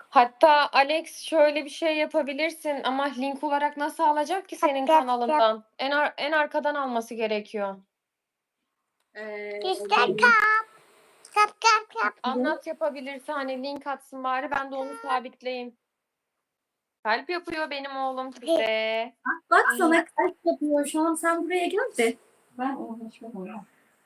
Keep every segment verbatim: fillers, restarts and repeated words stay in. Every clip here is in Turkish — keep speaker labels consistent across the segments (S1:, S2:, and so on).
S1: Hatta Alex şöyle bir şey yapabilirsin ama link olarak nasıl alacak ki senin kanalından? En ar en arkadan alması gerekiyor.
S2: Eee,
S3: İşte kap. Kap kap kap.
S1: Anlat yapabilirse hani link atsın bari ben de onu sabitleyeyim. Kalp yapıyor benim oğlum size.
S2: Bak sana kalp yapıyor şu an. Sen buraya gel de. Ben uğraşmam.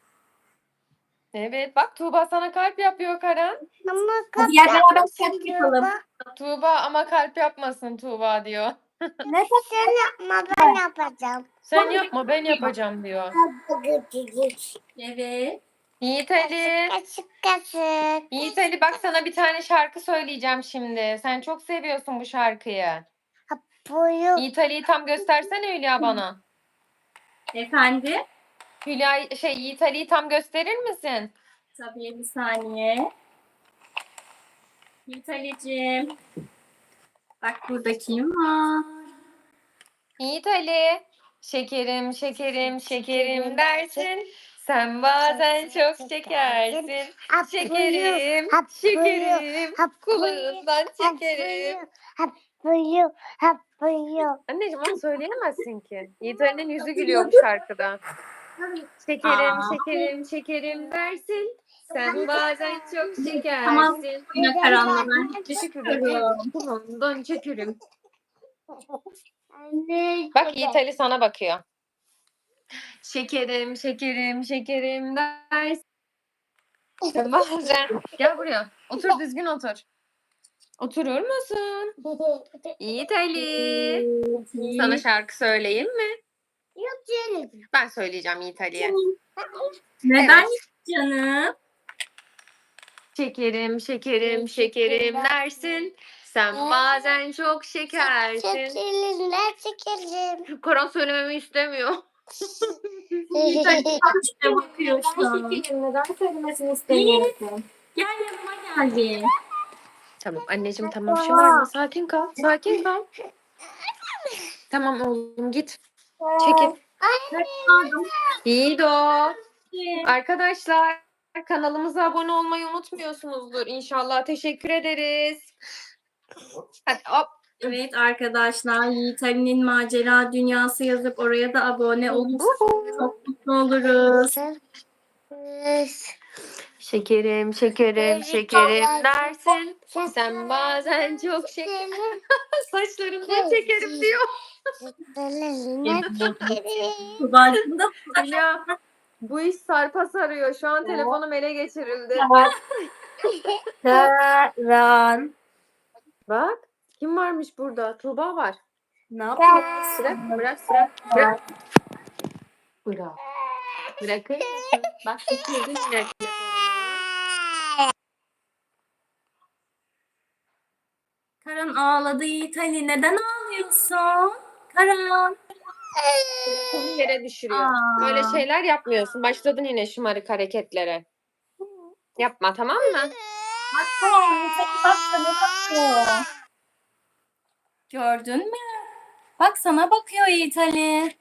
S1: Evet bak Tuğba sana kalp yapıyor Karan.
S3: Ama kap
S2: Hadi gel beraber
S3: yapmasın
S2: kalp
S3: diyor
S2: yapalım.
S3: bak.
S1: Tuğba ama kalp yapmasın Tuğba diyor.
S2: Ne
S3: Sen yapma ben yapacağım.
S1: Sen yapma ben yapacağım diyor.
S2: Evet.
S1: Yiğit Ali.
S3: Kaşık kaşık.
S1: Yiğit Ali bak sana bir tane şarkı söyleyeceğim şimdi. Sen çok seviyorsun bu şarkıyı.
S3: Boyu.
S1: Yiğit Ali'yi tam göstersene Hülya bana.
S2: Efendim?
S1: Hülya şey Yiğit Ali'yi tam gösterir misin?
S2: Tabii bir saniye. Yiğit Ali'cim. Bak burada kim var?
S1: Yiğit Ali. Şekerim şekerim şekerim dersin. Sen bazen çok şekersin.
S3: Hap
S1: Şekerim
S3: hap
S1: şekerim.
S3: hap
S1: Kulağından
S3: hap
S1: çekerim.
S3: hap boyu, hap boyu.
S1: Anneciğim onu söyleyemezsin ki. Yiğit Ali'nin yüzü gülüyor bu şarkıda. Şekerim
S2: Aa.
S1: şekerim şekerim dersin. Sen bazen çok
S2: Tamam.
S1: şekersin.
S2: Yine karanlığa ben
S1: Şekerim
S2: çıkıyorum.
S1: kulağından çekerim.
S3: Anne.
S1: Bak Yiğit Ali sana bakıyor. Şekerim, şekerim, şekerim dersin. Bazen. Gel buraya. Otur düzgün otur. Oturur musun? Yiğit Ali. Sana şarkı söyleyeyim mi?
S3: Yok canım.
S1: Ben söyleyeceğim Yiğit Ali'ye.
S2: Neden
S1: Evet.
S2: canım?
S1: Şekerim, şekerim, şekerim dersin. Sen bazen çok şekersin.
S3: Şekerim, ne şekerim?
S1: Karan söylememi istemiyor.
S2: Yiğit Ali kaçta bakıyor şu an.
S1: Neden söylemesini
S2: istemiyorsun? Gel yanıma gel.
S1: Tamam anneciğim tamam şımarma sakin kal. Sakin kal. Tamam oğlum git. Çekil.
S2: Pardon.
S1: İyi de o. Arkadaşlar kanalımıza abone olmayı unutmuyorsunuzdur inşallah. Teşekkür ederiz. Hadi hop.
S2: Evet arkadaşlar Yiğit Ali'nin macera dünyası yazıp oraya da abone olursanız çok mutlu oluruz.
S1: Şekerim, şekerim, şekerim dersin. Sen bazen çok şeker. Saçlarından çekerim diyor.
S3: Ne şekerim?
S2: Tuba'cığım da
S1: Ya bu iş sarpa sarıyor. Şu an telefonum ele geçirildi.
S2: Karan.
S1: Bak kim varmış burada? Tuğba var.
S2: Ne yapıyorsun?
S1: Bırak, bırak, bırak. Bırak. Bırak. Bırakır mısın? Bak düşürdün yine telefonunu.
S2: Karan ağladı Yiğit Ali. Neden ağlıyorsun? Karan.
S1: Telefonu yere düşürüyor.
S2: Aa.
S1: Böyle şeyler yapmıyorsun. Başladın yine şımarık hareketlere. Yapma tamam mı?
S2: Bak tamam Yiğit Ali bak sana bakıyor. Gördün mü? Bak sana bakıyor Yiğit Ali.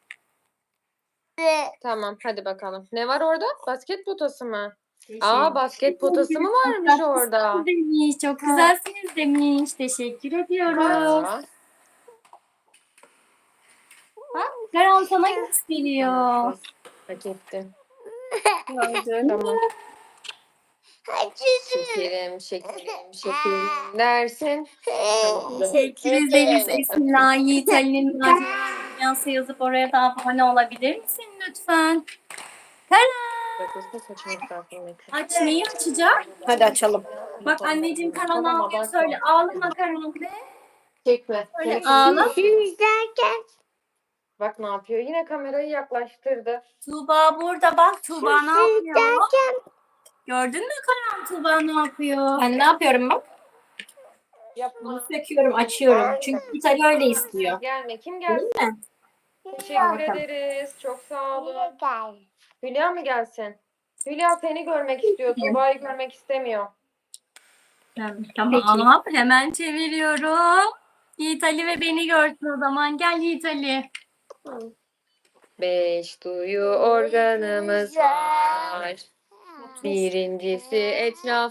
S1: Tamam hadi bakalım. Ne var orada? Basket potası mı? Aa basket potası mı varmış orada?
S2: Demiş, çok güzelsiniz demiş. Teşekkür ediyoruz.
S1: Aa,
S2: Bak Karan sana gösteriyor.
S1: hak etti.
S2: Gördün mü?
S1: Tamam. Şekerim, şekerim, şekerim dersin. Tamam.
S2: Teşekkür ederiz Esila. Yiğit Ali'nin macera dünyası yazıp oraya da abone olabilir misin lütfen? Karan. Aç neyi açacak?
S1: Hadi açalım.
S2: Bak anneciğim Karan ne yapıyor söyle. Ağlama Karan de.
S1: Çekme.
S2: Öyle
S1: Telefonu-
S2: ağla.
S3: Derken
S1: Bak ne yapıyor? Yine kamerayı yaklaştırdı.
S2: Tuğba burada bak. Tuğba ne yapıyor?
S3: derken
S2: Gördün mü Karan Tuğba ne yapıyor?
S4: Ben ne yapıyorum bak?
S1: Yapma.
S4: Bunu söküyorum, açıyorum. Çünkü İtalya öyle istiyor.
S1: Gelme. Kim
S2: Değil
S1: gelsin?
S2: mi?
S1: Teşekkür ederiz. Çok sağ olun.
S3: gel.
S1: Hülya mı gelsin? Hülya seni görmek istiyor. Tuğba'yı görmek istemiyor.
S2: Tamam hemen çeviriyorum. Yiğit Ali ve beni görsün o zaman. Gel Yiğit Ali.
S1: Beş duyu organımız var. Birincisi etraf